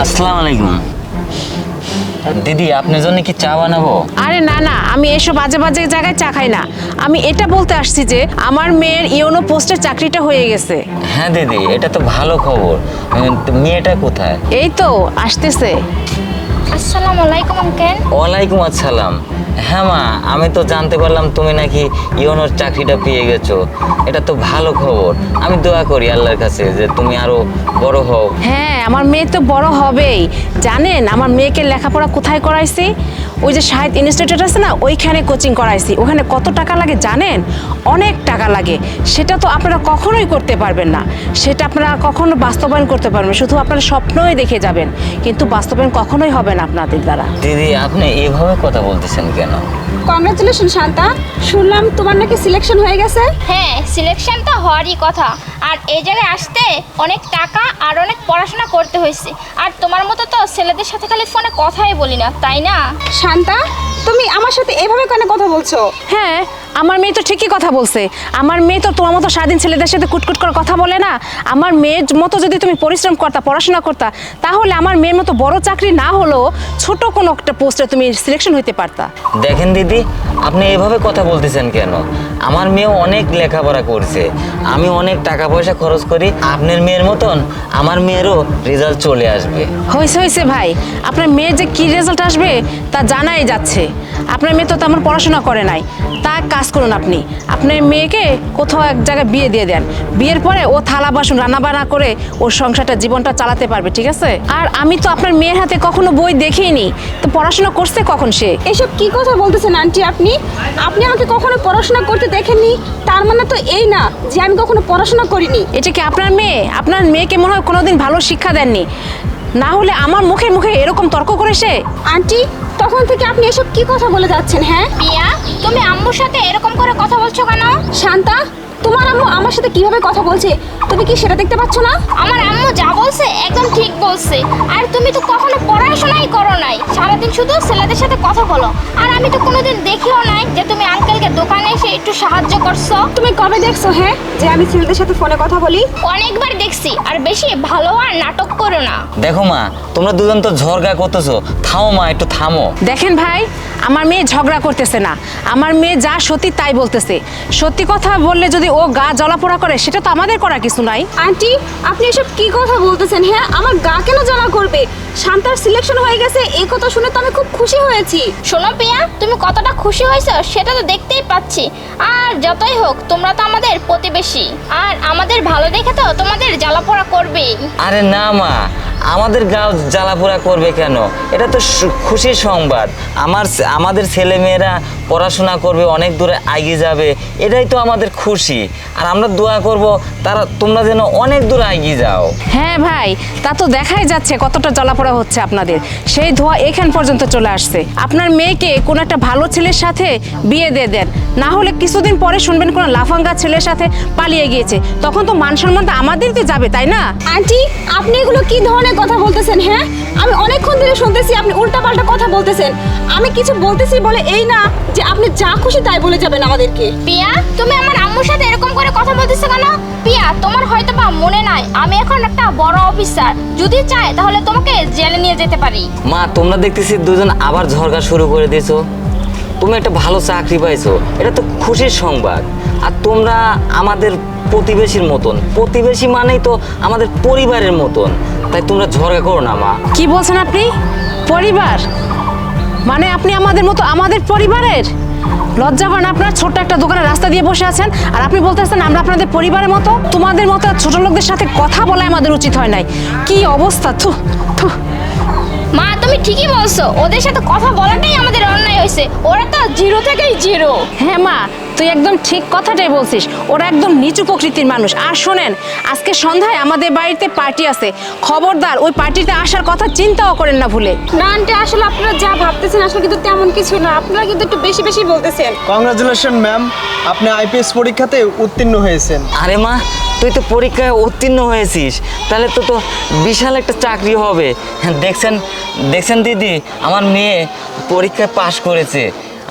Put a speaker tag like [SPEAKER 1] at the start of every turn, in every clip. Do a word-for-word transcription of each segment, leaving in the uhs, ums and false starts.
[SPEAKER 1] আসসালামু আলাইকুম। দিদি আপনার জন্য কি চা বানাবো?
[SPEAKER 2] আরে না না, আমি এসব বাজে বাজে জায়গায় চা খাই না। আমি এটা বলতে আসছি যে আমার মেয়ের ইওনো পোস্টের চাকরিটা হয়ে গেছে।
[SPEAKER 1] হ্যাঁ দিদি, এটা তো ভালো খবর। তো মেয়েটা কোথায়?
[SPEAKER 2] এই তো আসতেছে।
[SPEAKER 3] আসসালামু আলাইকুম আঙ্কেল।
[SPEAKER 1] ওয়ালাইকুম আসসালাম। হ্যাঁ মা, আমি তো জানতে পারলাম তুমি নাকি ইওনোর চাকরিটা পেয়ে গেছো। এটা তো ভালো খবর। আমি দোয়া করি আল্লাহর কাছে যে তুমি আরো বড় হও।
[SPEAKER 2] হ্যাঁ, আমার মেয়ে তো বড় হবেই। জানেন আমার মেয়েকে লেখাপড়া কোথায় করাইছি? ওই যে সাহিত্য ইনস্টিটিউট আছে না, ওইখানে কোচিং করাইছি। ওখানে কত টাকা লাগে জানেন? অনেক টাকা লাগে। সেটা তো আপনারা কখনোই করতে পারবেন না। সেটা আপনারা কখনো বাস্তবায়ন করতে পারবেন, শুধু আপনারা স্বপ্নই দেখে যাবেন, কিন্তু বাস্তবায়ন কখনোই হবে না আপনাদের দ্বারা।
[SPEAKER 1] দিদি আপনি এভাবে কথা বলতেছেন কেন?
[SPEAKER 4] কংগ্রাচুলেশন শান্তা, শুনলাম তোমার নাকি সিলেকশন হয়ে গেছে।
[SPEAKER 3] হ্যাঁ, সিলেকশন তো হওয়ারই কথা। আর এই জায়গায় আসতে অনেক টাকা আর অনেক পড়াশোনা করতে হয়েছে। আর তোমার মতো তো ছেলেদের সাথে খালি ফোনে কথাই বলি না, তাই না?
[SPEAKER 4] শান্তা, তুমি আমার সাথে এভাবে কেন কথা বলছো?
[SPEAKER 2] হ্যাঁ, আমার মেয়ে তো ঠিকই কথা বলছে। আমার মেয়ে তো তোমার মতো সারাদিন ছেলেদের সাথে কুটকুট করে কথা বলে না। আমার মেয়ের মতো যদি তুমি পরিশ্রম করতা, পড়াশোনা করতা, তাহলে আমার মেয়ের মতো বড় চাকরি না হলেও ছোট কোনো একটা পোস্টে তুমি সিলেকশন হইতে পারতা।
[SPEAKER 1] দেখেন দিদি, আপনি এভাবে কথা বলতেছেন কেন? আমার মেয়ে অনেক লেখাপড়া করছে, আমি অনেক টাকা পয়সা খরচ করি। আপনার মেয়ের মতন আমার মেয়েরও রেজাল্ট চলে আসবে।
[SPEAKER 2] হয়েছে হয়েছে ভাই, আপনার মেয়ের যে কী রেজাল্ট আসবে তা জানাই যাচ্ছে। আপনার মেয়ে তো তেমন পড়াশোনা করে নাই। তা কাজ করুন, আপনি আপনার মেয়েকে কোথাও এক জায়গায় বিয়ে দিয়ে দেন। বিয়ের পরে ও থালা বাসন রান্নাবান্না করে ওর সংসারটা, জীবনটা চালাতে পারবে, ঠিক আছে? আর আমি তো আপনার মেয়ের হাতে কখনো বই দেখিনি, তো পড়াশোনা করছে কখন সে?
[SPEAKER 4] এসব কি কথা বলতেছেন আন্টি আপনি? আপনি আমাকে কখনো পড়াশোনা করতে দেখেননি, তার মানে তো এই না যে আমি কখনো পড়াশোনা করিনি।
[SPEAKER 2] এটা কি আপনার মেয়ে? আপনার মেয়েকে মনে হয় কোনোদিন ভালো শিক্ষা দেননি, না হলে আমার মুখে মুখে এরকম তর্ক করে সে।
[SPEAKER 4] আন্টি, তখন থেকে আপনি এসব কি কথা বলে যাচ্ছেন? হ্যাঁ
[SPEAKER 3] পিয়া, তুমি আম্মুর সাথে এরকম করে কথা বলছো কেন?
[SPEAKER 4] শান্তা, তোমার আম্মু আমার সাথে কিভাবে কথা বলছে তুমি কি সেটা দেখতে পাচ্ছ না?
[SPEAKER 3] আমার আম্মু যা বলছে একদম ঠিক বলছে। আর তুমি তো কখনো পড়াশোনাই করো নাই, সারাদিন শুধু ছেলেদের সাথে কথা বলো। আর আমি তো কোনোদিন দেখিও নাই যে তুমি আঙ্কেলকে দোকানে এসে একটু সাহায্য করছো।
[SPEAKER 4] তুমি কবে দেখছো হ্যাঁ যে আমি ছেলেদের সাথে ফোনে কথা বলি?
[SPEAKER 3] অনেকবার দেখছি। আর বেশি ভালো আর নাটক করো না।
[SPEAKER 1] দেখো মা, তোমরা দুজন তো ঝগড়া করতেছো। থামো মা, একটু থামো।
[SPEAKER 2] দেখেন ভাই, আমার মেয়ে ঝগড়া করতেছে না, আমার মেয়ে যা সত্যি তাই বলতেছে। সত্যি কথা বললে যদি ও গা জ্বলাপোড়া করে, সেটা তো আমাদের করার কিছু নাই।
[SPEAKER 4] আন্টি, আপনি এসব কি কথা বলতেছেন? হ্যাঁ, আমার গা কেন জ্বালা করবে? শান্তার সিলেকশন হয়ে গেছে, এই কথা শুনে তো আমি খুব খুশি হয়েছি।
[SPEAKER 3] শোনো পিয়া, তুমি কতটা খুশি হয়েছো সেটা তো দেখতেই পাচ্ছি। আর যতই হোক তোমরা তো আমাদের প্রতিবেশী, আর আমাদের ভালো দেখে তো তোমাদের জ্বালাপোড়া করবেই।
[SPEAKER 1] আরে না মা, আমাদের গাও জ্বালাপোড়া করবে কেন? এটা তো সু- খুশির সংবাদ। আমার আমাদের ছেলে মেয়েরা পড়াশোনা করবে, অনেক দূরে এগিয়ে যাবে, এটাই তো আমাদের খুশি। আর আমরা দোয়া করব তারা, তোমরা যেন অনেক দূরে এগিয়ে যাও।
[SPEAKER 2] হ্যাঁ ভাই, তা তো দেখাই যাচ্ছে কতটা জ্বালাপোড়া হচ্ছে আপনাদের। সেই ধোয়া এখান পর্যন্ত চলে আসছে। আপনার মেয়েকে কোনো একটা ভালো ছেলের সাথে বিয়ে দিয়ে দেন, না হলে কিছুদিন পরে শুনবেন কোনো লাফাঙ্গা ছেলের সাথে পালিয়ে গিয়েছে, তখন তো মান সম্মানটা আমাদেরকে যাবে, তাই না?
[SPEAKER 4] আন্টি, আপনি এগুলো কি ধরনের কথা বলতেছেন? হ্যাঁ, আমি অনেকক্ষণ ধরে শুনতেছি আপনি উল্টাপাল্টা কথা বলতেছেন। আমি কিছু বলতেছি বলে এই না যে আপনি যা খুশি তাই বলে যাবেন আমাদেরকে।
[SPEAKER 3] পিয়া, তুমি আমার আম্মুর সাথে এরকম করে কথা বলতেছো কেন? পিয়া, তোমার হয়তো বা মনে নাই আমি এখন একটা বড় অফিসার। যদি চাই তাহলে তোমাকে জেলে নিয়ে যেতে পারি।
[SPEAKER 1] মা, তোমরা দেখতেছি দুজন আবার ঝগড়া শুরু করে দিয়েছো। তুমি একটা ভালো চাকরি পাইছো, এটা তো খুশির সংবাদ। আর তোমরা আমাদের প্রতিবেশীর মতন, প্রতিবেশী মানেই তো আমাদের পরিবারের মতন। তাই তোমরা ঝগড়া করো না মা।
[SPEAKER 2] কি বলছেন আপনি? পরিবার মানে আপনি আমাদের মতো, আমাদের পরিবারের? লজ্জা হয় না আপনার? ছোট্ট একটা দোকানে রাস্তা দিয়ে বসে আছেন আর আপনি বলতেছেন আমরা আপনাদের পরিবারের মতো? তোমাদের মতো ছোট লোকদের সাথে কথা বলা আমাদের উচিত হয় নাই। কি অবস্থা! থু থু।
[SPEAKER 3] মা, তুমি ঠিকই বলছো, ওদের সাথে কথা বলাটাই আমাদের অন্যায় হয়েছে। ওরা তো জিরো থেকেই জিরো।
[SPEAKER 2] হ্যাঁ মা, তুই একদম ঠিক কথাটাই বলছিস। ওরা একদম নিচু প্রকৃতির মানুষ। আর শোনেন, আজকে সন্ধ্যায় আমাদের বাড়িতে পার্টি আছে, খবরদার ওই পার্টিতে আসার কথা চিন্তাও করেন না ভুলে।
[SPEAKER 4] না আন্টি, আসলে আপনারা যা ভাবতেছেন আসলে কিন্তু তেমন কিছু না। আপনারা কিন্তু একটু বেশি বেশি বলতেছেন।
[SPEAKER 5] কংগ্রাচুলেশন ম্যাম, আপনি আইপিএস পরীক্ষাতে উত্তীর্ণ হয়েছেন।
[SPEAKER 1] আরে মা, তুই তো পরীক্ষায় উত্তীর্ণ হয়েছিস, তাহলে তো তো বিশাল একটা চাকরি হবে। হ্যাঁ, দেখছেন দেখছেন দিদি, আমার মেয়ে পরীক্ষায় পাশ করেছে।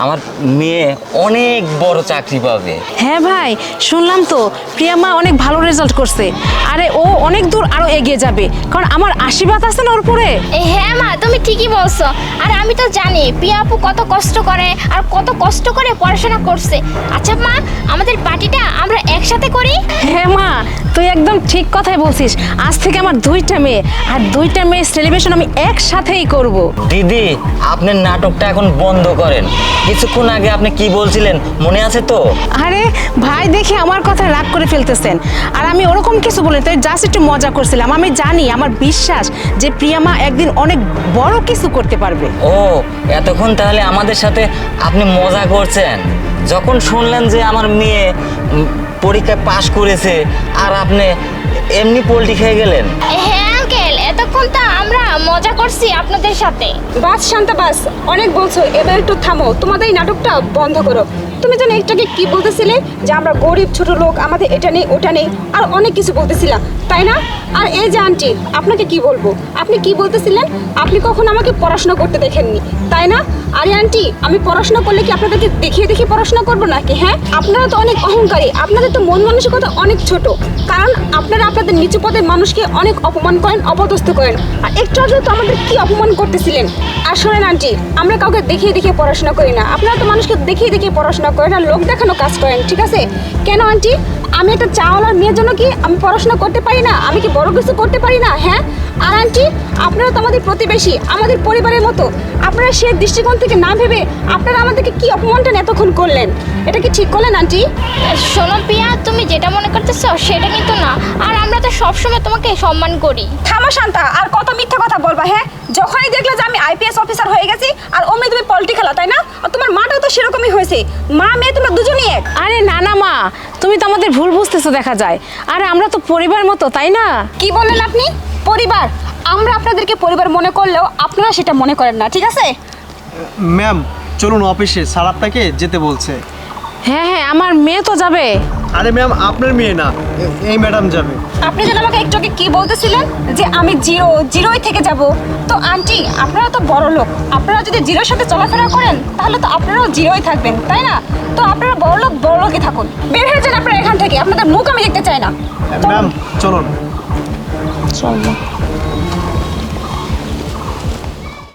[SPEAKER 1] আমার মেয়ে অনেক বড় চাকরি পাবে।
[SPEAKER 2] হ্যাঁ ভাই, শুনলাম তো প্রিয়া মা অনেক ভালো রেজাল্ট করছে। আরে ও অনেক দূর আরো এগিয়ে যাবে, কারণ আমার আশীর্বাদ আছে না ওর উপরে।
[SPEAKER 3] এ, হ্যাঁ মা, তুমি ঠিকই বলছো। আর আমি তো জানি প্রিয়া আপু কত কষ্ট করে আর কত কষ্ট করে পড়াশোনা করছে। আচ্ছা মা, আমাদের পার্টিটা আমরা একসাথে করি।
[SPEAKER 2] হ্যাঁ মা, তুই একদম ঠিক কথাই বলছিস। আজ থেকে আমার দুইটা মেয়ে, আর দুইটা মেয়ে সেলিব্রেশন আমি একসাথেই করব।
[SPEAKER 1] দিদি, আপনার নাটকটা এখন বন্ধ করেন। কিছুক্ষণ আগে আপনি কি বলছিলেন মনে আছে তো?
[SPEAKER 2] আরে ভাই, দেখি আমার কথা রাগ করে ফেলতেছেন। আর আমি ওরকম কিছু বলি, তাই জাস্ট একটু মজা করছিলাম। আমি জানি, আমার বিশ্বাস যে প্রিয়া মা একদিন অনেক বড় কিছু করতে পারবে।
[SPEAKER 1] ও, এতক্ষণ তাহলে আমাদের সাথে আপনি মজা করছেন। যখন শুনলেন যে আমার মেয়ে উম, পরীক্ষায় পাশ করেছে আর আপনি এমনি পোল্টি খেয়ে গেলেন।
[SPEAKER 3] এ, হ্যাঁ আঙ্কেল, এতক্ষণ তো আমরা মজা করছি আপনাদের সাথে।
[SPEAKER 4] বাস শান্তা বাস, অনেক বলছো, এবার একটু থামো, তোমাদের এই নাটকটা বন্ধ করো। তুমি যেন একটাকে কি বলতেছিলে যে আমরা গরিব ছোট লোক, আমাদের এটা নেই ওটা নেই, আর অনেক কিছু বলতেছিলাম, তাই না? আর এই যে আন্টি, আপনাকে কি বলবো, আপনি কি বলতেছিলেন? আপনি কখন আমাকে পড়াশোনা করতে দেখেননি, তাই না? আরে আন্টি, আমি পড়াশোনা করলে কি আপনাদেরকে দেখিয়ে দেখিয়ে পড়াশোনা করবো নাকি? হ্যাঁ, আপনারা তো অনেক অহংকারী, আপনাদের তো মন মানসিকতা অনেক ছোট, কারণ আপনারা আপনাদের নিচু পদের মানুষকে অনেক অপমান করেন, অপদস্থ করেন। আর একটু আগে তো আমাদের কি অপমান করতেছিলেন। আর শোনেন আন্টি, আমরা কাউকে দেখিয়ে দেখিয়ে পড়াশোনা করি না, আপনারা তো মানুষকে দেখিয়ে দেখিয়ে পড়াশোনা করেন আর লোক দেখানো কাজ করেন, ঠিক আছে? কেন আন্টি, আমি একটা চাওয়ালার মেয়ের জন্য কি আমি পড়াশোনা করতে পারি না? আমি কি বড় কিছু করতে পারি না? হ্যাঁ। আর আন্টি, আপনারা তো আমাদের প্রতিবেশী, আমাদের পরিবারের মতো, আপনারা সে দৃষ্টিকোণ থেকে না ভেবে আপনারা আমাদেরকে কি অপমানটা এতক্ষণ করলেন, এটা কি ঠিক করলেন আন্টি?
[SPEAKER 3] শোনো প্রিয়া, তুমি যেটা মনে করতেছো সেটা কিন্তু না। আর আমরা তো সবসময় তোমাকে সম্মান করি।
[SPEAKER 4] থামো শান্তা, আর কত মিথ্যা কথা বলবা? হ্যাঁ, যখনই দেখলে যে আমি আইপিএস অফিসার হয়ে গেছি আর অমনি তুমি পলিটি খেলা, তাই না? আর তোমার মাটাও তো সেরকমই হয়েছে, মা মেয়ে তোমরা দুজনই এক।
[SPEAKER 2] আরে না না মা, তুমি তো আমাদের ভুল বুঝতেছো দেখা যায়। আরে আমরা তো পরিবার মতো, তাই না?
[SPEAKER 4] কি বললেন আপনি? পরিবার? আমরা আপনাদেরকে পরিবার মনে করলেও আপনারা সেটা মনে করেন না, ঠিক আছে?
[SPEAKER 5] ম্যাম চলুন অফিসে, স্যার আপনাকে যেতে বলছে।
[SPEAKER 2] হ্যাঁ হ্যাঁ, আমার মেয়ে তো যাবে।
[SPEAKER 5] আরে ম্যাম, আপনার মেয়ে না, এ- এই ম্যাডাম যাবে।
[SPEAKER 4] আপনি যেন আমাকে একটু আগে কি বলতেছিলেন যে আমি জিরো জিরোই থেকে যাব। তো আন্টি, আপনারা তো বড় লোক, আপনারা যদি জিরোর সাথে চলাফেরা করেন তাহলে তো আপনারাও জিরোই থাকবেন, তাই না? তো আপনারা বড় লোক বড় লোকই থাকুন, বের হয়ে যান আপনারা এখান থেকে, আপনাদের মুখ আমি দেখতে চাই না।
[SPEAKER 5] ম্যাম চলুন।
[SPEAKER 2] চলো।